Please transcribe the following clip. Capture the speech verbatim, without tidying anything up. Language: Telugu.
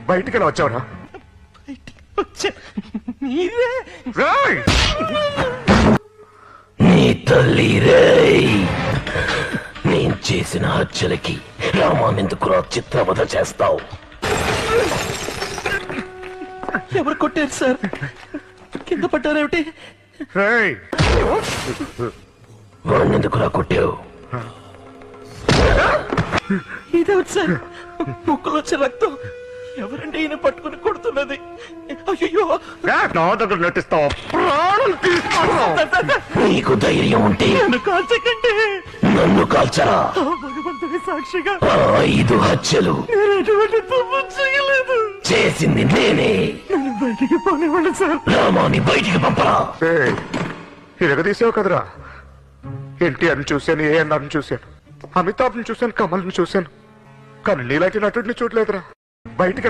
బయటికి ఎలా వచ్చావురా? వచ్చా మీరే రేయ్! నీ తల్లి రేయ్ నేను చేసిన హత్యలకి రామానెందుకురా చిత్రవధ చేస్తావు? ఎవరు కొట్టారు సార్? కింద పడ్డారేమిటి? రేయ్! వాణ్ణెందుకురా కొట్టావు? ఇదేమిటి సార్? ముక్కులో వచ్చే రక్తం. ఎవరండి ఈయన పట్టుకుని కొడుతున్నది? అయ్యో నా దగ్గర నటిస్తావు, ప్రాణం తీస్తాను. నీకు ధైర్యం ఉంటే నన్ను కాల్చకండి. నన్ను కాల్చరా? భగవంతుడి సాక్షిగా ఆ ఐదు హత్యలు నేను ఎటువంటి తప్పు చేయలేదు. చేసింది నేనే. నన్ను బయటికి పోనివ్వండి సార్. రామాని బయటికి పంపరా. ఇరగదీసావు కదరా. ఎన్టీఆర్ని చూశాను, ఏఎన్ఆర్ని చూశాను, అమితాబ్ని చూశాను, కమల్ని చూశాను, కానీ నీలాంటి నటుడిని చూడలేదురా. బయటికి